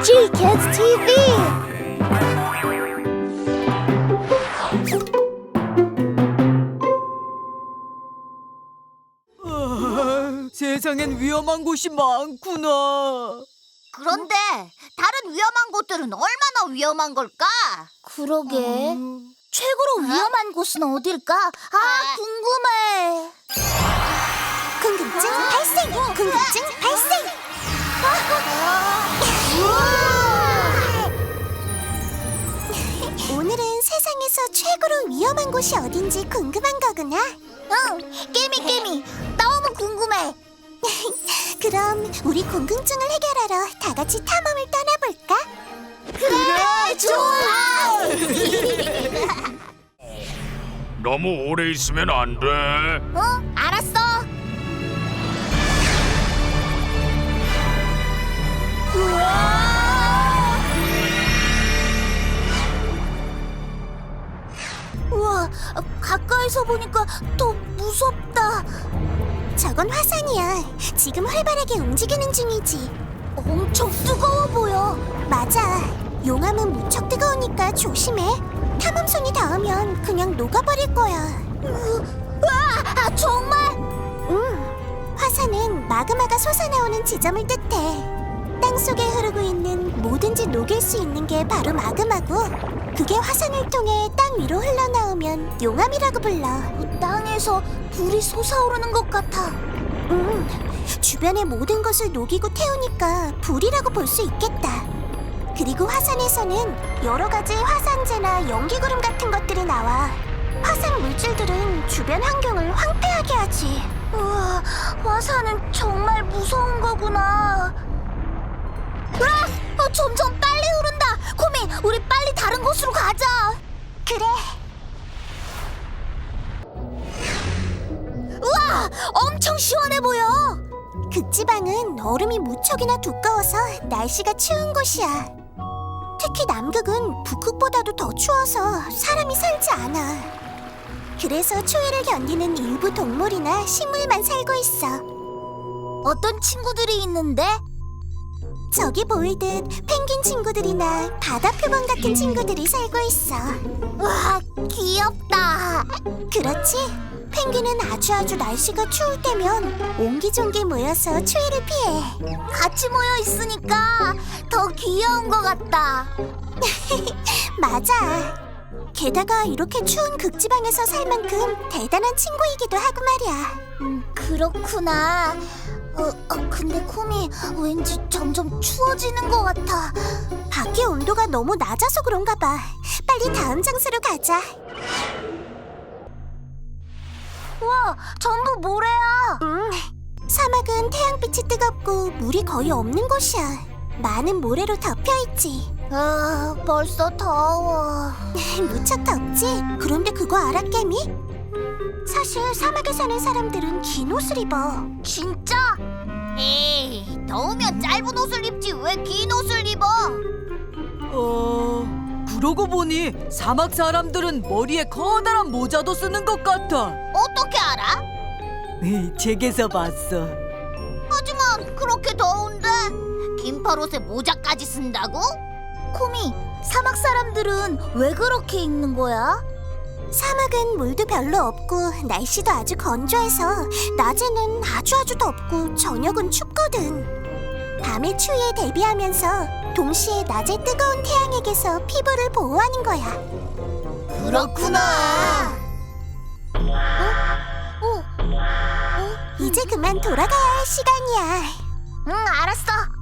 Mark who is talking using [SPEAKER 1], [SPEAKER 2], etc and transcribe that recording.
[SPEAKER 1] G-Kids TV.
[SPEAKER 2] 세상엔 위험한 곳이 많구나.
[SPEAKER 3] 그런데 다른 위험한 곳들은 얼마나 위험한 걸까?
[SPEAKER 1] 그러게. 최고로 위험한 곳은 어딜까? 궁금해. 궁금증 발생! 궁금증 발생! 오늘은 세상에서 최고로 위험한 곳이 어딘지 궁금한 거구나. 응, 깨미 너무 궁금해. 그럼 우리 궁금증을 해결하러 다 같이 탐험을 떠나볼까? 그래, 좋아!
[SPEAKER 4] 너무 오래 있으면 안 돼.
[SPEAKER 1] 알았어. 우와, 가까이서 보니까 더 무섭다. 저건 화산이야. 지금 활발하게 움직이는 중이지. 엄청 뜨거워 보여. 맞아. 용암은 무척 뜨거우니까 조심해. 탐험선이 닿으면 그냥 녹아버릴 거야. 정말? 응. 화산은 마그마가 솟아나오는 지점을 뜻해. 땅속에 흐르고 있는 뭐든지 녹일 수 있는 게 바로 마그마고, 그게 화산을 통해 땅 위로 흘러나오면 용암이라고 불러. 땅에서 불이 솟아오르는 것 같아. 주변의 모든 것을 녹이고 태우니까 불이라고 볼 수 있겠다. 그리고 화산에서는 여러 가지 화산재나 연기구름 같은 것들이 나와. 화산 물질들은 주변 환경을 황폐하게 하지. 우와, 화산은 정말 무서운 거구나. 점점 빨리 흐른다. 코미, 우리 빨리 다른 곳으로 가자. 그래. 우와, 엄청 시원해 보여. 극지방은 얼음이 무척이나 두꺼워서 날씨가 추운 곳이야. 특히 남극은 북극보다도 더 추워서 사람이 살지 않아. 그래서 추위를 견디는 일부 동물이나 식물만 살고 있어. 어떤 친구들이 있는데? 저기 보이듯 펭귄 친구들이나 바다 표범 같은 친구들이 살고 있어. 와, 귀엽다. 그렇지? 펭귄은 아주 날씨가 추울 때면 옹기종기 모여서 추위를 피해. 같이 모여 있으니까 더 귀여운 것 같다. 맞아. 게다가 이렇게 추운 극지방에서 살 만큼 대단한 친구이기도 하고 말이야. 그렇구나. 근데 코미, 왠지 점점 추워지는 것 같아. 밖에 온도가 너무 낮아서 그런가 봐. 빨리 다음 장소로 가자. 우와, 전부 모래야. 사막은 태양빛이 뜨겁고 물이 거의 없는 곳이야. 많은 모래로 덮여있지. 벌써 더워. 무척 덥지? 그런데 그거 알아, 깨미? 사실 사막에 사는 사람들은 긴 옷을 입어. 진짜?
[SPEAKER 3] 에이, 더우면 짧은 옷을 입지 왜 긴 옷을 입어?
[SPEAKER 2] 그러고 보니 사막 사람들은 머리에 커다란 모자도 쓰는 것 같아.
[SPEAKER 3] 어떻게 알아?
[SPEAKER 2] 책에서 봤어.
[SPEAKER 3] 하지만 그렇게 더운데 긴팔옷에 모자까지 쓴다고?
[SPEAKER 1] 코미, 사막 사람들은 왜 그렇게 입는 거야? 사막은 물도 별로 없고 날씨도 아주 건조해서 낮에는 아주 덥고 저녁은 춥거든. 밤의 추위에 대비하면서 동시에 낮의 뜨거운 태양에게서 피부를 보호하는 거야.
[SPEAKER 3] 그렇구나.
[SPEAKER 1] 이제 그만 돌아가야 할 시간이야. 응, 알았어.